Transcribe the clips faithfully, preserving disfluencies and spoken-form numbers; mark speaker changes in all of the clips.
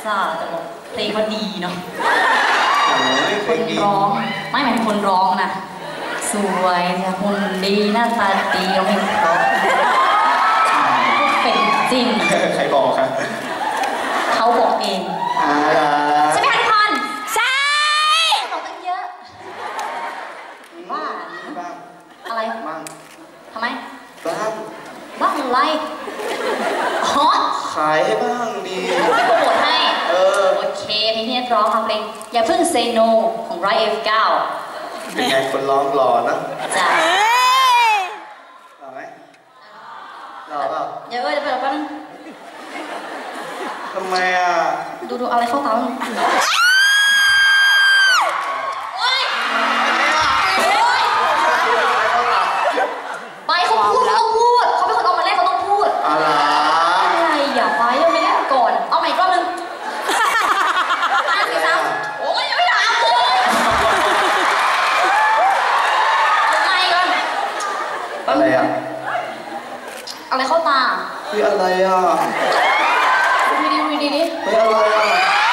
Speaker 1: ซ่าแต่บอกเพลงเขาดีเนาะ
Speaker 2: เพ
Speaker 1: ค
Speaker 2: ลง
Speaker 1: น
Speaker 2: ดี
Speaker 1: ร้องไม่หมายถึงคนร้องนะสวยแต่หุ่นดีหน้าตาดีร้องเพลงเพราะเป็นจริง
Speaker 2: ใครบอกครับ
Speaker 1: เขาบอกเอง
Speaker 2: อ่า
Speaker 1: ใช่ไหมคะทุกคน
Speaker 3: ใช่
Speaker 1: บอกตั้งเยอะว่า
Speaker 2: บ้าง
Speaker 1: อะไร
Speaker 2: บ้าง
Speaker 1: ทำไม
Speaker 2: บ้าง
Speaker 1: บ้าอะไรอ๋อ
Speaker 2: ขายให้บ้างดี
Speaker 1: ไม่โปรโมทให้
Speaker 2: เออ
Speaker 1: โอเคเพลงที่นักร้องค่ะเพลงอย่าเพิ่ง say no ของ ไร เอฟ เก้า
Speaker 2: เป็นไงคนร้องหล่อนะ
Speaker 1: จ้ะ
Speaker 3: เอ้ย
Speaker 2: หล่อไหมหล่อเปล่า
Speaker 1: เดี๋ยวเอ้ยเดี๋ยวไปแป๊บนึง
Speaker 2: ทำไมอ่ะ
Speaker 1: ดูดูอะไรเข้าตาบ้างโอ๊ยไปเขาพูดเขาต้องพูดเขาเป็นคนเอามาเล่นเขาต้องพูด
Speaker 2: อะไร
Speaker 1: อะไรอย่าไปยังไม่เล่นก่อนเอาใหม่อีกรอบนึงห้าสี่สามโอ้ยยังไม่ถามเลยยังไงก่อน
Speaker 2: อะไรอ่ะ
Speaker 1: อะไรเข้าตา
Speaker 2: เฮ้ยอะไรอ่ะ
Speaker 1: ดูดีดูดีดิ
Speaker 2: เฮ้ยอะไรอ่ะ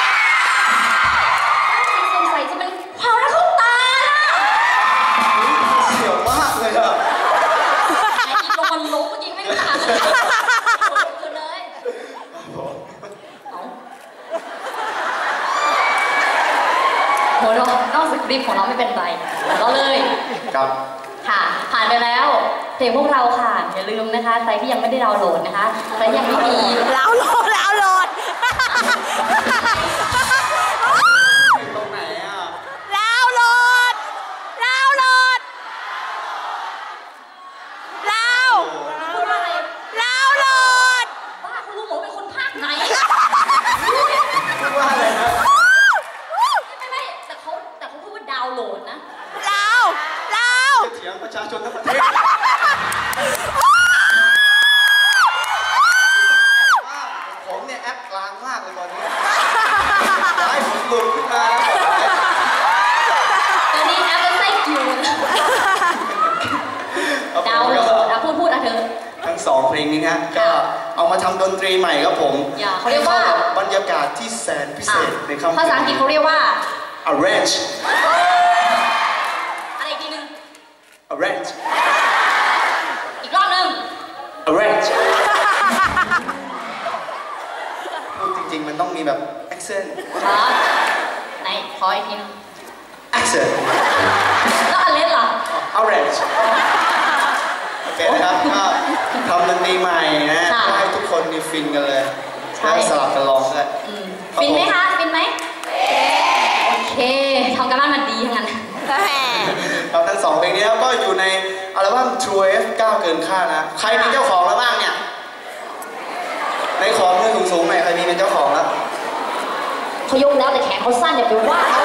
Speaker 1: สงสัยจะเป็นความรักเข้าตาน่ะ
Speaker 2: เสียวมากเลยอ่ะ
Speaker 1: ไอ้อีกลงมันลุกเมื่อกี้ไม่ได้ถามเลยคืนเลยเอาโหนนอกสคริปต์ของเราไม่เป็นไรก็เลย
Speaker 2: ครับ
Speaker 1: ค่ะผ่านไปแล้วเพลงพวกเราค่ะอย่าลืมนะคะใครที่ยังไม่ได้ดาวน์โหลดนะคะใครยังไม่มี
Speaker 3: แล้วโหลดแล้วโหลด
Speaker 2: ตรงไหนอ่ะ
Speaker 3: แล้วโหลดแล้วโหลดแล้ว
Speaker 1: พูดว่าอะไร
Speaker 3: แล้วโหลด
Speaker 1: บ้าคุณรู้หมดว่าเป็นคนภาคไหน
Speaker 2: พูดว่าอะไรนะ
Speaker 1: ไม่ไม่แต่เขาแต่เขาพูดว่าดาวน์โหลดนะ
Speaker 3: แล้วแล้ว
Speaker 2: จะเถียงประชาชนทั้งประเทศผมเนี่ยแอปกลางมากเลยตอนนี้ให้ผมหลุดขึ้นมา
Speaker 1: ตอนนี้แอปเป็นไส้กิวดาวน์โหลดอ่ะพูดพูดอ่ะเธอ
Speaker 2: ทั้งสองเพลงนี้นะก็เอามาทำดนตรีใหม่ครับผม
Speaker 1: อย่าเขาเรียกว่า
Speaker 2: ให้ข้บบรรยากาศที่แสนพิเศษในค่ำ
Speaker 1: ภาษาอังกฤษเขาเรียกว่า
Speaker 2: arrange
Speaker 1: อะไรอีกทีหนึง
Speaker 2: arrange
Speaker 1: อีกรอบหนึง
Speaker 2: arrange พูดจริงๆมันต้องมีแบบ accent
Speaker 1: ขอไหนขออีกทีหนึง
Speaker 2: accent
Speaker 1: แล้วอันเล่นล่ะ
Speaker 2: arrange โอเคนะครับก็ทำดนตรีใหม่นะ
Speaker 1: ค่ะ
Speaker 2: ให้ทุกคนมีฟินกันเลย
Speaker 1: ใช่
Speaker 2: แล้วสลับกันร้องด้วย
Speaker 1: อืมฟินไหมคะฟินไหมโอเคทำกันบ้านมาดีทั้งนั้น
Speaker 2: เราทั้งสองเพลงนี้ก็อยู่ในอัลบั้ม True เอฟ เก้า เกินคาดนะใครมีเจ้าของแล้วบ้างเนี่ยในขอมือสูงๆหน่อยใครมีเป็นเจ้าของแล้ว
Speaker 1: เขายกแล้วแต่แขนเขาสั้นอย่าไปว่าเขา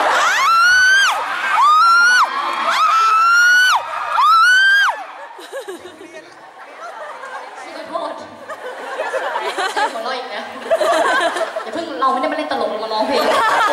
Speaker 1: ขอโทษใช่หัวเราะอีกแล้วอย่าเพิ่งเราไม่ได้มาเล่นตลกเรามาร้องเพลง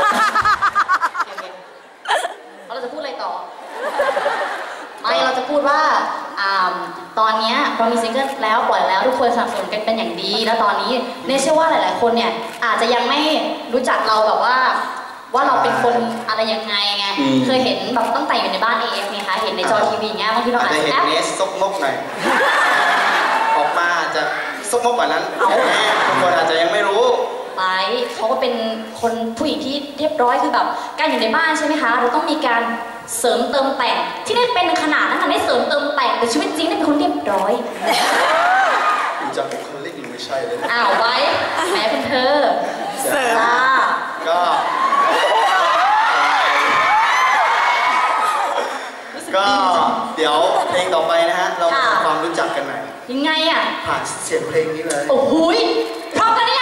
Speaker 1: เราจะพูดอะไรต่อไม่เราจะพูดว่าอ่าตอนนี้เรามีซิงเกิลแล้วปล่อยแล้วทุกคนสนับสนุนกันเป็นอย่างดีแล้วตอนนี้เนี่ยเชื่อว่าหลาย ๆ คนเนี่ยอาจจะยังไม่รู้จักเราแบบว่าว่าเราเป็นคนอะไรยังไงไงเคยเห็นแบบตั้งแต่อยู่ในบ้าน เอ เอฟ ไงคะเห็นในจอทีวีอย่างเงี้ยบางทีเรา
Speaker 2: อาจ
Speaker 1: อาจ
Speaker 2: จะ
Speaker 1: จะ
Speaker 2: เห็น
Speaker 1: แอป
Speaker 2: เนสซกมกหน่อยออกมาอาจจะซกมกกว่านั้นทุกคนอาจจะยังไม่รู้
Speaker 1: ไปเขาก็เป็นคนผู้หญิงที่เรียบร้อยคือแบบการอยู่ในบ้านใช่ไหมคะเราต้องมีการเสริมเติมแต่งที่นี่เป็นขนาดนั้นค่ะไม่เสริมเติมแต่งแต่ชีวิตจริงนี่เป็นคนเรียบร้อย
Speaker 2: ดูจากบุคลิกนี่ไม่ใช่เลย
Speaker 1: อ้าวไว้แหมคุณเธอ
Speaker 3: เสริม
Speaker 1: จ้า
Speaker 2: ก็ก็เดี๋ยวเพลงต่อไปนะฮะเรามาทำความรู้จักกันหน่อย
Speaker 1: ยังไงอ่ะ
Speaker 2: ผ่านเสียงเพลงนี้เลย
Speaker 1: โอ้โหยพร้อมกันหรือยัง